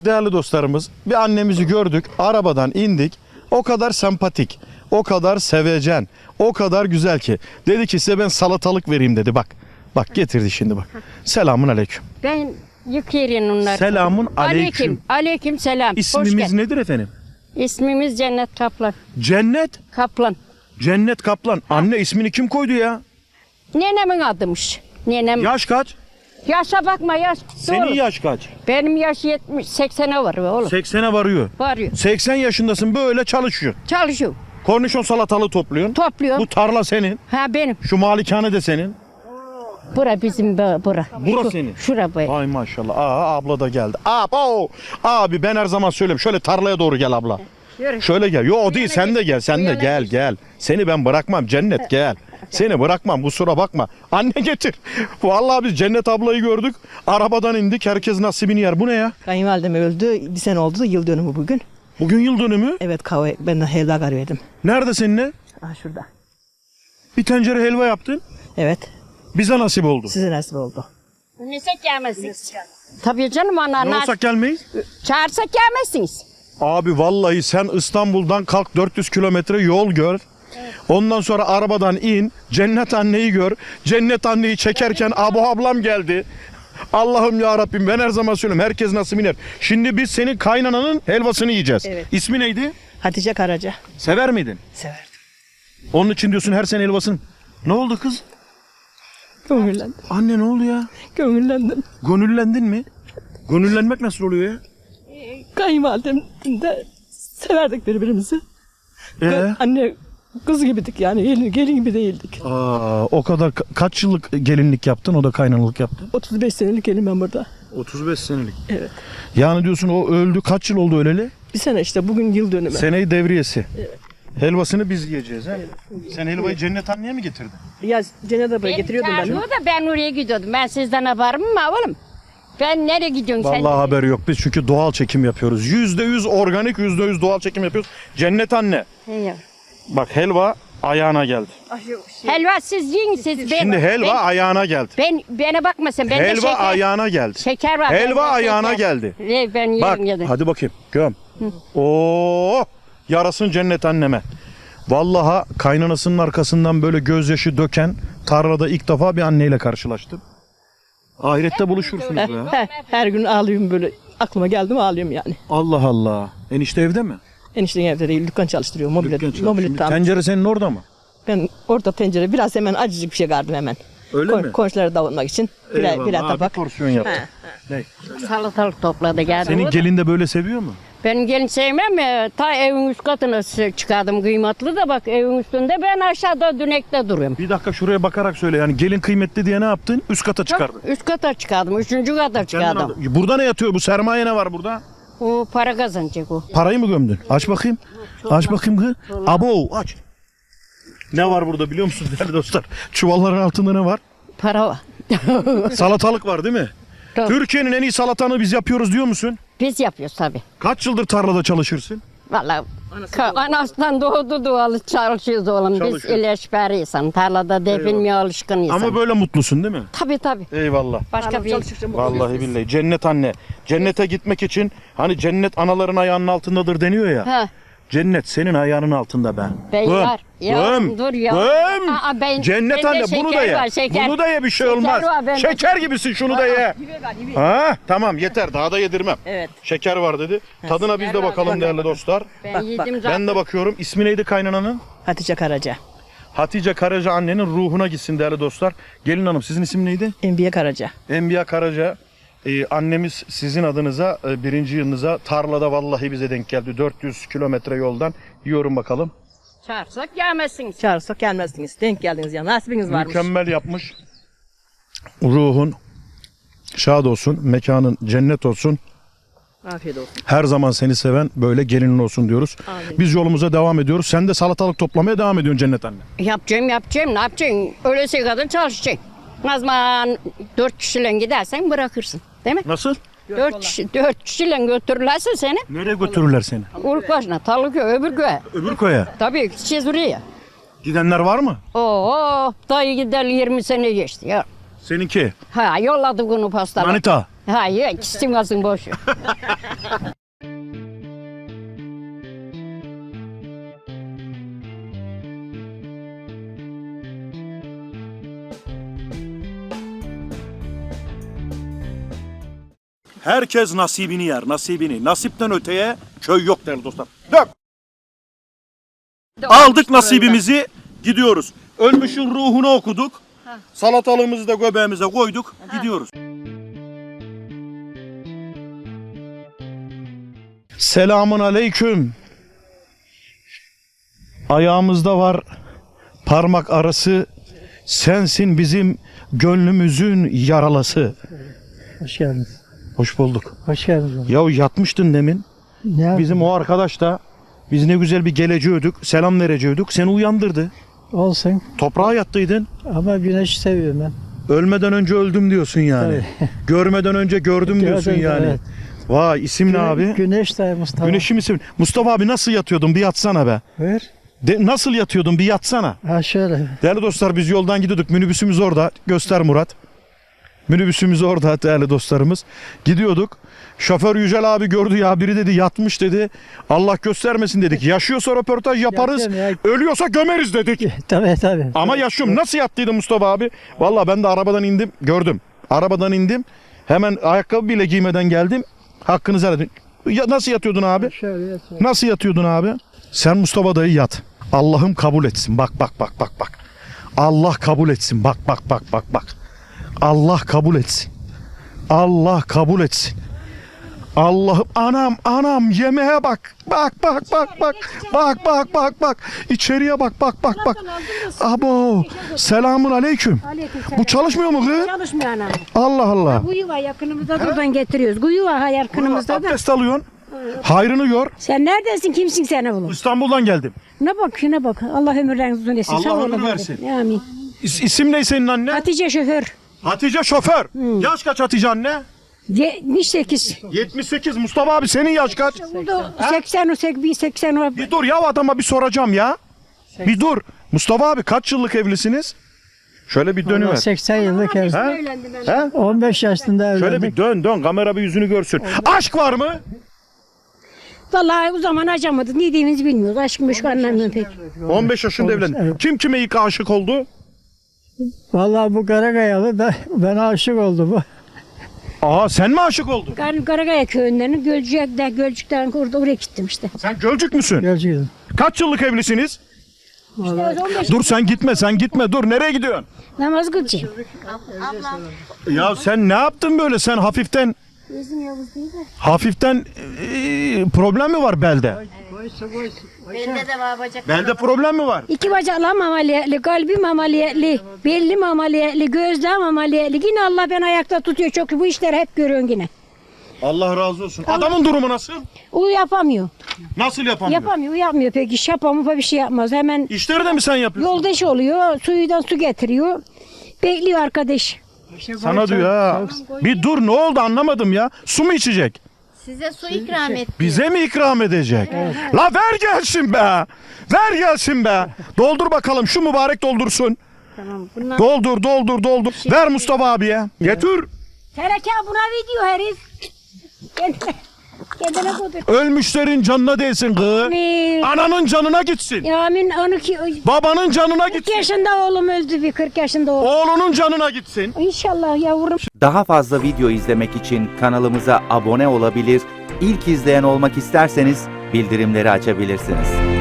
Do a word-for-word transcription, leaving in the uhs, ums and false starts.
Değerli dostlarımız, bir annemizi gördük, arabadan indik. O kadar sempatik, o kadar sevecen, o kadar güzel ki. Dedi ki size ben salatalık vereyim dedi. Bak, bak getirdi şimdi bak. Selamun aleyküm. Ben yıkayırım onları. Selamun aleyküm. Aleyküm. Aleyküm selam. Hoş İsmimiz geldin. nedir efendim? İsmimiz Cennet Kaplan. Cennet. Kaplan. Cennet Kaplan. Anne ismini kim koydu ya? Nenemin adımış. Nenem. Yaş kaç? Yaşa bakma yaş. Senin Doğru. yaş kaç? Benim yaş yetmiş, seksene var oğlum. seksene varıyor. Varıyor. seksen yaşındasın, böyle çalışıyor. Çalışıyor. Kornişon salatalığı topluyorsun. Topluyorum. Bu tarla senin. Ha benim. Şu malikane de senin. Bura bizim bu- bura. Bura Şu- senin. Şura bu. Ay maşallah. Aa, abla da geldi. Abo. Abi ben her zaman söylüyorum. Şöyle tarlaya doğru gel abla. Yürü. Şöyle gel. Yo o değil, yana sen de geç, gel. Sen bu de yana gel geç. gel. Seni ben bırakmam Cennet, gel. Seni bırakmam, kusura bakma. Anne getir. Vallahi biz Cennet ablayı gördük. Arabadan indik. Herkes nasibini yer. Bu ne ya? Kayınvalidem öldü. Bir sene oldu da yıl dönümü bugün. Bugün yıl dönümü. Evet kahve ben de helva karıyordum. Nerede seninle? Ah şurada. Bir tencere helva yaptın. Evet. Bize nasip oldu. Size nasip oldu. Nesek gelmezsiniz. Tabii canım ana. Ne olsak gelmeyiz? Çağırsak gelmezsiniz. Abi vallahi sen İstanbul'dan kalk dört yüz kilometre yol gör. Ondan sonra arabadan in. Cennet anneyi gör. Cennet anneyi çekerken Abu ablam geldi. Allah'ım ya Rabbim, ben her zaman söylüyorum. Herkes nasıl iner. Şimdi biz senin kaynananın helvasını yiyeceğiz. Evet. İsmi neydi? Hatice Karaca. Sever miydin? Severdim. Onun için diyorsun her sene helvasını. Ne oldu kız? Gönüllendim. Anne ne oldu ya? Gönüllendim. Gönüllendin mi? Gönüllenmek nasıl oluyor ya? Kayınvalidem de severdik birbirimizi. Ee? Anne kız gibiydik yani gelin, gelin gibi değildik. Aa, o kadar ka- kaç yıllık gelinlik yaptın, o da kaynanalık yaptı? otuz beş senelik gelin ben burada. otuz beş senelik. Evet. Yani diyorsun o öldü, kaç yıl oldu öleli? Bir sene işte bugün yıl dönümü. Seneyi devriyesi. Evet. Helvasını biz yiyeceğiz ha. Sen helvayı Cennet anneye mi getirdin? Ya Cennet abaya getiriyordum ben. Çağırıyor da ben oraya gidiyordum. Ben sizden haberim mi oğlum? Ben nereye gidiyorsun sen? Vallahi haberi yok. Biz çünkü doğal çekim yapıyoruz. Yüzde yüz organik, yüzde yüz doğal çekim yapıyoruz. Cennet anne. He. Bak helva ayağına geldi. Helva siz yiyin siz. Ben, Şimdi helva ben, ayağına geldi. ben bana bakmasın. Ben de Helva şeker, ayağına geldi. şeker var. Helva bende ayağına şeker. geldi. Ee, ben Bak yerim yedim. hadi bakayım. Göm. Oo! Yarasın Cennet anneme. Vallahi kaynanasının arkasından böyle gözyaşı döken tarlada ilk defa bir anneyle karşılaştım. Ahirette buluşursunuz ya. Her, her gün ağlıyorum böyle. Aklıma geldi mi ağlıyorum yani. Allah Allah. Enişte evde mi? Enişten evde değil, dükkan çalıştırıyor. Mobilya, Dükkan çalışıyor. mobilya Şimdi tam. tencere senin orada mı? Ben orada tencere biraz hemen acıcık bir şey kardım hemen. Öyle Kon- mi? Komşulara davranmak için. Birer, Eyvallah. birer Ha, tabak. bir porsiyon yaptı. He, Ne? Salatalık topladı geldi. Senin o da. gelin de böyle seviyor mu? Benim gelin sevmem ya. Ta evin üst katına s- çıkardım kıymetli de bak evin üstünde ben aşağıda dünekte duruyorum. Bir dakika şuraya bakarak söyle. Yani gelin kıymetli diye ne yaptın? Üst kata çıkardın. Üst kata çıkardım. Üçüncü kata Kendin çıkardım. aldın. Burada ne yatıyor? Bu sermaye ne var burada? O para kazanacak o. Parayı mı gömdün? Aç bakayım. Aç bakayım kız. Abo aç. Ne var burada biliyor musunuz değerli dostlar? Çuvalların altında ne var? Para var. Salatalık var değil mi? Tabii. Türkiye'nin en iyi salatanı biz yapıyoruz diyor musun? Biz yapıyoruz tabii. Kaç yıldır tarlada çalışırsın? Vallahi ka- anasından doğdu doğalı çalışıyoruz oğlum. Biz Çalışıyoruz. ilaçbari insan. Tarlada definmeye alışkın insan. Ama böyle mutlusun değil mi? Tabii tabii. Eyvallah. Başka bir Vallahi billahi. Cennet anne. Cennete gitmek için hani cennet anaların ayağının altındadır deniyor ya. Ha. Cennet senin ayağının altında be. Ben Göm, var. Ya, göm, dur ya. göm. Aa, ben- Cennet bende anne bunu da şeker ye. var, şeker. Bunu da ye, bir şey Şeker olmaz. var bende. Şeker gibisin, şunu da ye. Ha, tamam yeter, daha da yedirmem. Evet. Şeker var dedi. Tadına biz de bakalım değerli dostlar. Ben Bak, yedim bak. zaten. Ben de bakıyorum. İsmi neydi kaynananın? Hatice Karaca. Hatice Karaca annenin ruhuna gitsin değerli dostlar. Gelin hanım, sizin isim neydi? Enbiye Karaca. Enbiya Karaca. Ee, annemiz sizin adınıza e, birinci yılınıza tarlada vallahi bize denk geldi. dört yüz kilometre yoldan. Yiyorum bakalım. Çağırsak gelmezsiniz. Çağırsak gelmezdiniz. Denk geldiniz ya. Nasibiniz varmış. Mükemmel yapmış. Ruhun şad olsun, mekanın cennet olsun. Afiyet olsun. Her zaman seni seven böyle gelinin olsun diyoruz. Amin. Biz yolumuza devam ediyoruz. Sen de salatalık toplamaya devam ediyorsun Cennet anne. Yapacağım yapacağım ne yapacaksın? Öylesi kadın çalışacaksın. O zaman dört kişiyle gidersen bırakırsın. Değil mi? Nasıl? Dört kişi, dört kişiyle götürürlerse seni. Nereye götürürler seni? Ulukbaşı'na, Talıköy, öbür köye. Öbür koya. Tabii gideceğiz oraya. Gidenler var mı? Oo, dayı gider yirmi sene geçti ya. Seninki. Ha yolladık onu pastalar. Manita. Hayır, ikisi kalsın boş. Herkes nasibini yer, nasibini. Nasipten öteye köy yok değerli dostlar. Dök! Aldık nasibimizi, gidiyoruz. Ölmüşün ruhunu okuduk. Salatalığımızı da göbeğimize koyduk, gidiyoruz. Selamun aleyküm. Ayağımızda var parmak arası, sensin bizim gönlümüzün yaralası. Hoş geldiniz. Hoş bulduk. Hoş geldiniz. Ya yatmıştın demin. Ne Bizim o arkadaş da biz ne güzel bir geleceğiydik, selam vereceğiydik. Seni uyandırdı. olsun Toprağa yattıydın. ama güneşi seviyorum ben. Ölmeden önce öldüm diyorsun yani. Görmeden önce gördüm diyorsun Gördüm, yani. evet. Vay isim ne abi? Güneş de Mustafa. Güneşi misin? Mustafa abi nasıl yatıyordun? Bir yatsana be. Buyur. De, nasıl yatıyordun? Bir yatsana. Ha şöyle. Değerli dostlar biz yoldan gidiyorduk. Minibüsümüz orada. Göster Murat. Minibüsümüz orada değerli dostlarımız. Gidiyorduk. Şoför Yücel abi gördü ya biri dedi yatmış dedi. Allah göstermesin dedik. Yaşıyorsa röportaj yaparız. Yapacağım Ölüyorsa gömeriz dedik. Tabii tabii. Ama yaşıyorum. Nasıl yattıydı Mustafa abi? Vallahi ben de arabadan indim. Gördüm. Arabadan indim. Hemen ayakkabı bile giymeden geldim. Hakkınızı helal edin. Ya, nasıl yatıyordun abi? Şöyle yatıyorum. Nasıl yatıyordun abi? Sen Mustafa dayı yat. Allah'ım kabul etsin. Bak bak bak bak bak. Allah kabul etsin. Bak bak bak bak bak. Allah kabul etsin. Allah kabul etsin. Allah'ım anam anam yemeğe bak. Bak bak bak bak. Bak bak bak bak. İçeriye bak bak bak bak. Abo. Selamun aleyküm. Bu çalışmıyor mu kız? Çalışmıyor anam. Allah Allah. Kuyu var yakınımızda buradan getiriyoruz. Kuyu var yakınımızda da. Abdest alıyorsun. Hayrını gör. Sen neredesin? Kimsin seni bulun? İstanbul'dan geldim. Ne bak şuna bak. Allah ömürlerinizi uzun etsin. Allah Sağ ömür olun. versin. Amin. İs- isim ne senin anne? Hatice şoför. Hatice şoför. Yaş kaç Hatice anne? yetmiş sekiz. yetmiş sekiz. Mustafa abi senin yaş kaç? Burada seksen o seksen seksen o. Bir dur ya adama bir soracağım ya. Bir dur. Mustafa abi kaç yıllık evlisiniz? Şöyle bir Allah dönüver. seksen yıllık evli. Ha? He? on beş yaşında evlendik. Şöyle bir dön dön kamera bir yüzünü görsün. Aşk var mı? Vallahi o zaman acamadık. Ne diyeceğimizi bilmiyoruz. Aşkım şu anlamıyorum pek. on beş yaşında evlendin. evet. Kim kime ilk aşık oldu? Vallahi bu Karagayalı da ben aşık oldu bu. Aa sen mi aşık oldun? Kar Karagaya köyünden Gölcük'ten Gölcük'ten orada oraya gittim işte. Sen Gölcük müsün? Gölcük'ün. Kaç yıllık evlisiniz? İşte on beş Dur sen gitme sen gitme dur nereye gidiyorsun? namaz kılacağım. Ya sen ne yaptın böyle sen hafiften hafiften e, problem mi var belde? Belde problem mi var? İki bacaklarım ameliyatlı, kalbim ameliyatlı, bellim ameliyatlı, gözlerim ameliyatlı. Yine Allah beni ayakta tutuyor çok. Bu işleri hep görüyorsun yine. Allah razı olsun. Adamın durumu nasıl? O yapamıyor. Nasıl yapamıyor? Yapamıyor, yapmıyor pek iş yapamıyor, bir şey yapmaz. Hemen İşleri de mi sen yapıyorsun? yoldaş oluyor, suyudan su getiriyor. Bekliyor arkadaş. Sana diyor ha. Bir dur ne oldu anlamadım ya. Su mu içecek? Size su ikram et. Bize mi ikram edecek? La ver gelsin be. Ver gelsin be. Doldur bakalım şu mübarek doldursun. Tamam, bundan Doldur doldur doldur. Ver Mustafa abiye. Getir. tereke buna video herif. Kendine, kendine kodur. Ölmüşlerin canına değsin kız. Amin. Ananın canına gitsin. Amin. Onu ki Babanın canına kırk gitsin. yaşında oğlum öldü bir kırk yaşında oğlum. Oğlunun canına gitsin. İnşallah yavrum. Daha fazla video izlemek için kanalımıza abone olabilir, ilk izleyen olmak isterseniz bildirimleri açabilirsiniz.